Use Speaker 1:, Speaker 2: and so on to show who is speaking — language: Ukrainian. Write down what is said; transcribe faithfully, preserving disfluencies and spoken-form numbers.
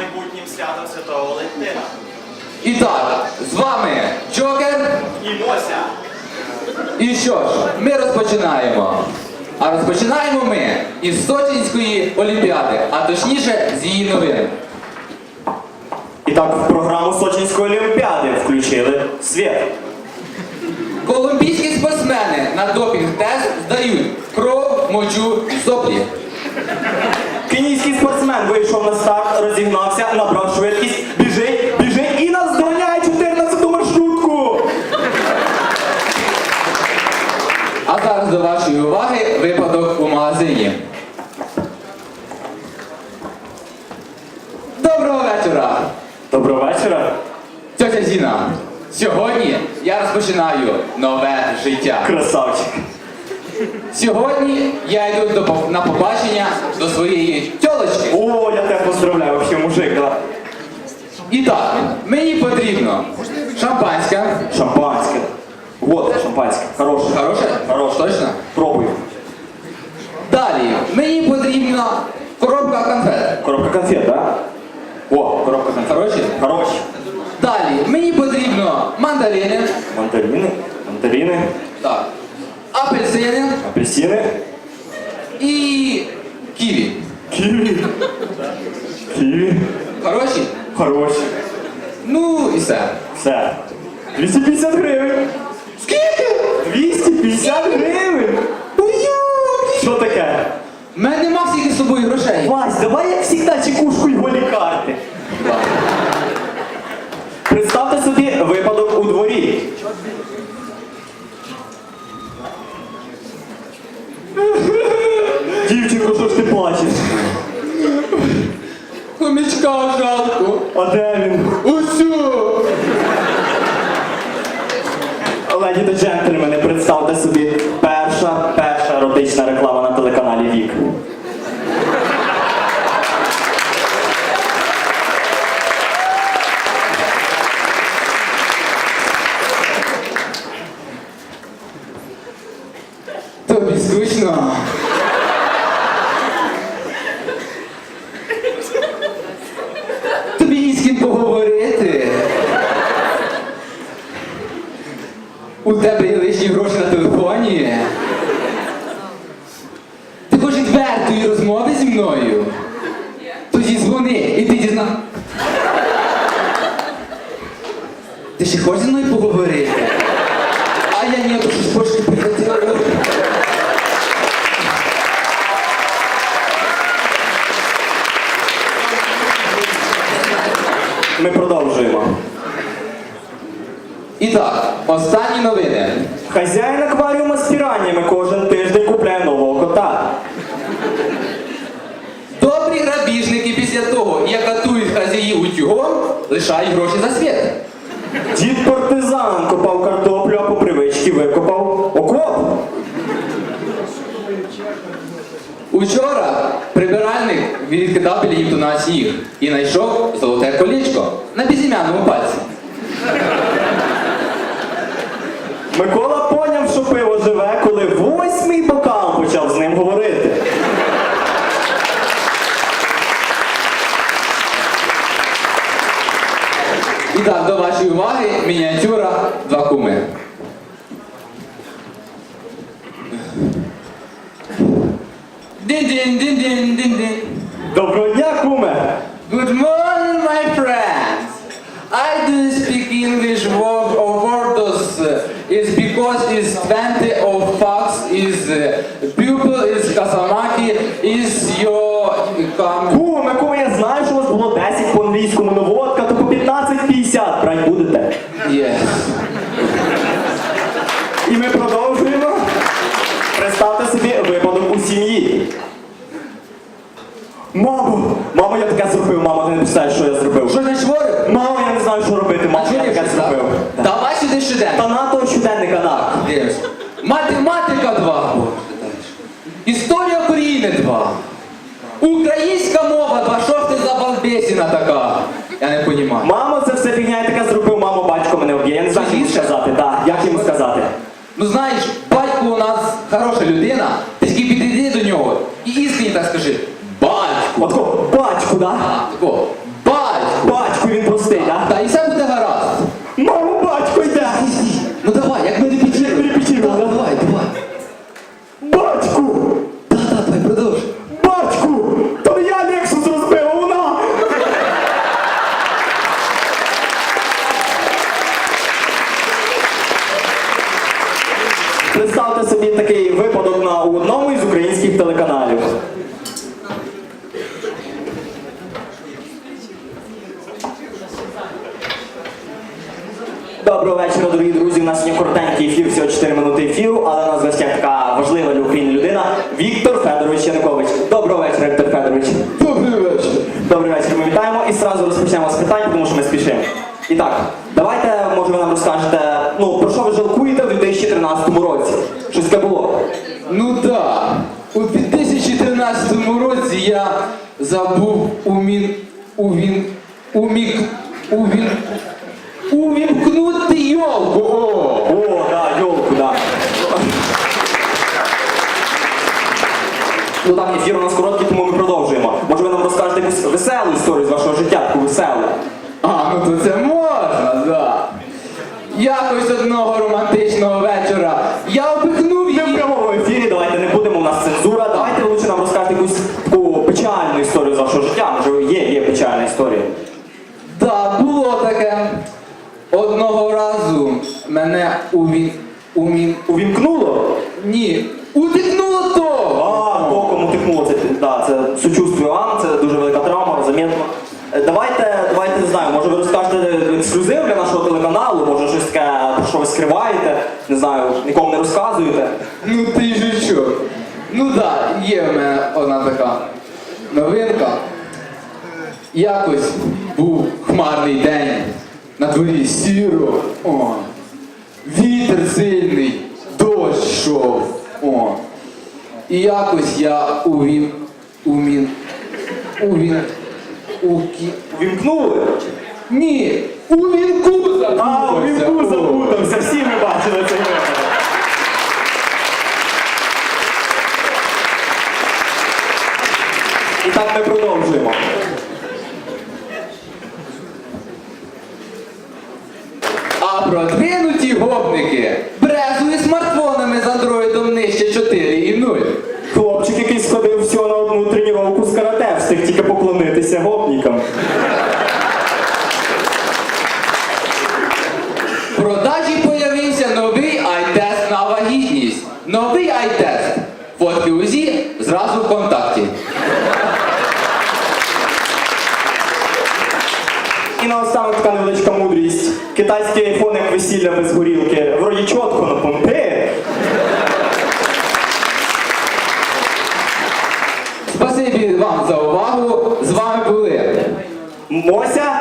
Speaker 1: майбутнім святом Святого Валентина.
Speaker 2: І так, з вами Джокер.
Speaker 1: І Мося.
Speaker 2: І що ж, ми розпочинаємо. А розпочинаємо ми із Сочинської Олімпіади, а точніше з її новин.
Speaker 1: І так, в програму Сочинської Олімпіади включили світ.
Speaker 2: Колумбійські спортсмени на допінг-тест здають кров, мочу і соплі.
Speaker 1: Кенійський спортсмен вийшов на старт, розігнався, набрав швидкість, біжить, біжить і наздоганяє чотирнадцяту маршрутку.
Speaker 2: А зараз до вашої уваги випадок у магазині. Доброго вечора!
Speaker 1: Доброго вечора.
Speaker 2: Тьотя Зіна, сьогодні я розпочинаю нове життя.
Speaker 1: Красавчик.
Speaker 2: Сьогодні я йду до, пов- на побачення до своєї тьолочки.
Speaker 1: О, я тебе поздравляю, вообще мужик, да.
Speaker 2: І так, мені потрібно шампанське.
Speaker 1: Шампанське. Вот, шампанське. Хороше.
Speaker 2: Хороше?
Speaker 1: Хороше.
Speaker 2: Точно?
Speaker 1: Пробуй.
Speaker 2: Далі, мені потрібна коробка конфет.
Speaker 1: Коробка конфет, да? О, коробка конфет.
Speaker 2: Хороші?
Speaker 1: Хороші.
Speaker 2: Далі, мені потрібно мандарини.
Speaker 1: Мандарини, мандарини,
Speaker 2: Так. Апельсини
Speaker 1: апельсини,
Speaker 2: і ківі.
Speaker 1: ківі. Ківі.
Speaker 2: Хороші?
Speaker 1: Хороші.
Speaker 2: Ну і все.
Speaker 1: Все. двісті п'ятдесят гривень.
Speaker 2: Скільки?
Speaker 1: двісті п'ятдесят гривень.
Speaker 2: Ой-ой!
Speaker 1: Що таке?
Speaker 2: У мене нема всіх із собою грошей.
Speaker 1: Вась, давай як завжди чекушку й голі карти. Представте собі випадок у дворі. Дівчинко, що ж ти плачеш?
Speaker 2: Хомячка жалко.
Speaker 1: А де він?
Speaker 2: Усю!
Speaker 1: Леді та джентльмени, представте собі перша, перша еротична реклама на телеканалі Вік.
Speaker 2: Тобі скучно. Тобі ні з ким поговорити. У тебе є лишні гроші на телефоні. Ти хочеш відвертої розмови зі мною? Тоді дзвони і ти дізна. Ти ще хочеш зі мною поговорити? А я ні, то щось трошки прихотіла.
Speaker 1: Ми продовжуємо.
Speaker 2: І так, останні новини.
Speaker 1: Хазяїн акваріума з піраннями кожен тиждень купляє нового кота.
Speaker 2: Добрі грабіжники після того, як катують хазяїв утюгом, лишають гроші за світ.
Speaker 1: Дід партизан копав картоплю, а по привичці викопав окоп.
Speaker 2: Учора прибиральник відкидав біля Євтуна сніг і знайшов золоте колечко на безім'яному пальці.
Speaker 1: Микола поняв, що пиво живе, коли восьмий бокал почав з ним говорити.
Speaker 2: І так, до вашої уваги, мініатюра «Два куми». Дин-дин-дин-дин-дин-дин.
Speaker 1: Доброго дня, куме!
Speaker 2: Good morning, my friends. I do speak English word of words uh, is because is twenty of facts is uh, pupil is Kasamaki is your come.
Speaker 1: Куме, куме, я знаю, що у вас було десять по англійському, но водка, то по п'ятнадцять п'ятдесят брать будете.
Speaker 2: Yes.
Speaker 1: І ми продовжуємо. Представте собі випадок у сім'ї. Мамо! Мамо, я таке зробив, мамо, ти не представляєш, що я зробив.
Speaker 2: Що не шворив?
Speaker 1: Мамо, я не знаю, що робити, мамо, я таке зробив.
Speaker 2: Давай сюди щоденно.
Speaker 1: Та на того щоденника на.
Speaker 2: Дивись. Математика два. Історія України два. Українська мова два. Що ж ти за балбесіна така? Я не розумію.
Speaker 1: Мамо, це все фігня, я таке зробив, мамо, батько мене вб'є. Я не знаю, що йому сказати, так, як йому сказати.
Speaker 2: Ну знаєш, батько у нас хороша людина, ти тільки підійди до нього і іскренні так скажи. Батьку.
Speaker 1: Отко, батьку, да?
Speaker 2: А, тако. Батьку.
Speaker 1: у одному із українських телеканалів. Доброго вечора, дорогі друзі. У нас сьогодні коротенький ефір, всього чотири минути ефіру, але у нас в гостях така важлива для України людина Віктор Федорович Янукович. Доброго вечора, Віктор Федорович.
Speaker 2: Добрий вечір.
Speaker 1: Добрий вечір, ми вітаємо і одразу розпочнемо з питань, тому що ми спішимо. І так, давайте, може, ви нам розкажете, ну, про що ви жалкуєте в дві тисячі тринадцятому році? Щось таке було?
Speaker 2: Ну да, у дві тисячі тринадцятому році я забув умін... увін... умік... увін... увімкнути йолку. О!
Speaker 1: О, да, йолку, да. Ну так, ефір у нас короткий, тому ми продовжуємо. Може, ви нам розкажете якусь веселу історію з вашого життя, таку веселу?
Speaker 2: А, ну то це можна, да. Якось одного романтичного вечора я обикнув
Speaker 1: Ми в
Speaker 2: її.
Speaker 1: прямому ефірі, давайте не будемо, у нас цензура. Давайте ви лучше нам розкажете якусь таку печальну історію з вашого життя. Може, є, є печальна історія.
Speaker 2: Да, було таке. Одного разу мене увін... умін...
Speaker 1: Увімкнуло?
Speaker 2: Ні, утикнуло то!
Speaker 1: А, током утихнуло. Це, да, це сучувствую вам, це дуже велика травма, замітно. Е, Давайте, давайте, не знаю, може ви розкажете ексклюзив для нашого телеканалу, може щось таке, про що ви скриваєте, не знаю, нікому не розказуєте.
Speaker 2: Ну ти ж що? Ну да, є в мене одна така новинка. Якось був хмарний день, на дворі сіро, о, вітер сильний, дощ йшов, о. І якось я увім, умін, увін, укі...
Speaker 1: Увімкнули?
Speaker 2: Ні, у вінку запутався.
Speaker 1: А, у вінку
Speaker 2: о.
Speaker 1: запутався, всі ми бачили цей випадок. І так ми продовжуємо.
Speaker 2: А продвинуті гопники брезують смартфонами з андроїдом нижче чотири і нуль.
Speaker 1: Хлопчик, який сходив всього на одну тренування з карате, встиг тільки поклонитися гопнікам.
Speaker 2: В продажі появився новий ай-тест на вагітність. Новий ай-тест. Фотки УЗІ зразу в контакті.
Speaker 1: І наостанок така невеличка мудрість. Китайський айфон як весілля без горілки. Вроді чітко на помпи.
Speaker 2: Спасибі вам за увагу. З вами були
Speaker 1: Мося